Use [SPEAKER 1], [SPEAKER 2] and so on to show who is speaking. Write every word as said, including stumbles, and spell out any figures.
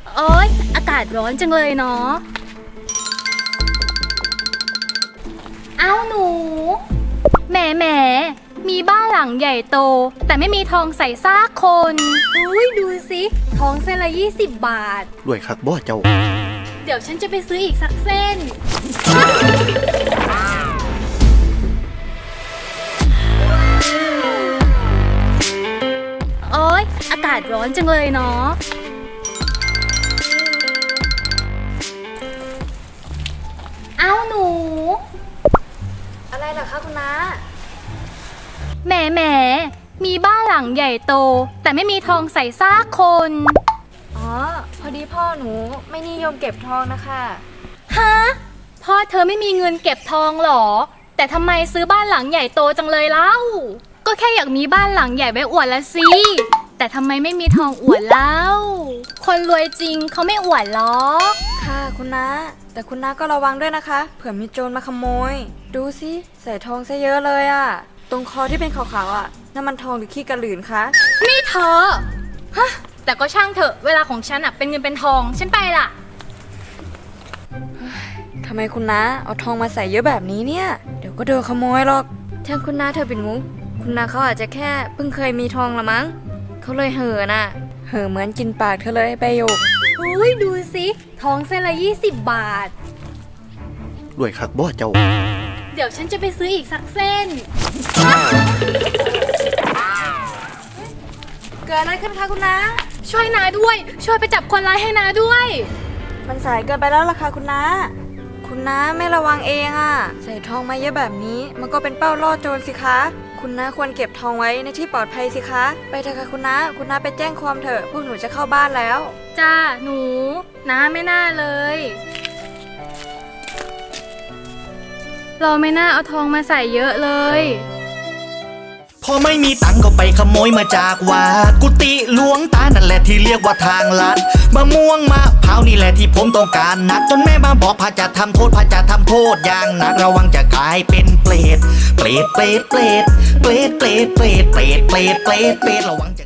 [SPEAKER 1] โอ๊ยอากาศร้อนจังเลยเนาะเอ้าหนูแหมแหมมีบ้านหลังใหญ่โตแต่ไม่มีทองใส่ซากคนอุ้ยดูสิทองเส้นละยี่สิบบาท
[SPEAKER 2] รวยคักบ่เจ้า
[SPEAKER 1] เดี๋ยวฉันจะไปซื้ออีกสักเส้นโอ๊ยอากาศร้อนจังเลยเนาะเอ้าหนู
[SPEAKER 3] อะไรเหรอคะคุณน้า
[SPEAKER 1] แหมแหมมีบ้านหลังใหญ่โตแต่ไม่มีทองใส่ซากคน
[SPEAKER 3] อ๋อพอดีพ่อหนูไม่นิยมเก็บทองนะคะ
[SPEAKER 1] ฮะพ่อเธอไม่มีเงินเก็บทองหรอแต่ทำไมซื้อบ้านหลังใหญ่โตจังเลยเล่าก็แค่อยากมีบ้านหลังใหญ่ไว้อวดละสิแต่ทำไมไม่มีทองอวดเล่าคนรวยจริงเขาไม่อวดหรอก
[SPEAKER 3] ค่ะคุณน้าแต่คุณน้าก็ระวังด้วยนะคะเผื่อมีโจรมาขโมยดูสิใส่ทองซะเยอะเลยอะตรงคอที่เป็นขาวๆอะนั่นมันทองหรือขี้กระหลืนคะ
[SPEAKER 1] นี่เธอฮะแต่ก็ช่างเถอะเวลาของฉันอะเป็นเงินเป็นทองฉันไปละ
[SPEAKER 3] ทำไมคุณน้าเอาทองมาใส่เยอะแบบนี้เนี่ยเดี๋ยวก็โดนขโมยหรอกช่างคุณน้าเธอเป็นมุกคุณน้าเขาอาจจะแค่เพิ่งเคยมีทองละมั้งเขาเลยเห่อน่ะเห่อเหมือนกินปากเธอเลยใบหยก
[SPEAKER 1] อุ้ยดูสิทองเส้นละยี่สิบบาท
[SPEAKER 2] รวยคักบ่เจ้า
[SPEAKER 1] เดี๋ยวฉันจะไปซื้ออีกสักเส้น
[SPEAKER 3] เกิดอะไรขึ้นคะคุณน้า
[SPEAKER 1] ช่วยนาด้วยช่วยไปจับคนร้ายให้นาด้วย
[SPEAKER 3] มันสายเกินไปแล้วล่ะค่ะคุณน้าคุณน้าไม่ระวังเองอ่ะใส่ทองมาเยอะแบบนี้มันก็เป็นเป้าล่อโจรสิคะคุณน้าควรเก็บทองไว้ในที่ปลอดภัยสิคะไปเถอะค่ะคุณน้าคุณน้าไปแจ้งความเถอะพวกหนูจะเข้าบ้านแล้ว
[SPEAKER 1] จ้าหนูน้าไม่น่าเลยเราไม่น่าเอาทองมาใส่เยอะเลย
[SPEAKER 4] พอไม่มีตังก็ไปขโมยมาจากวัดกุฏิหลวงตานั่นแหละที่เรียกว่าทางลัดมะม่วงมะพร้าวนี่แหละที่ผมต้องการนักจนแม่มาบอกพระจะทำโทษพระจะทำโทษอย่างหนักระวังจะกลายเป็นเปรตเปรตเปรตเปรตเปรตเปรตเปรตเปรตเปรตเปรตเปรตระวัง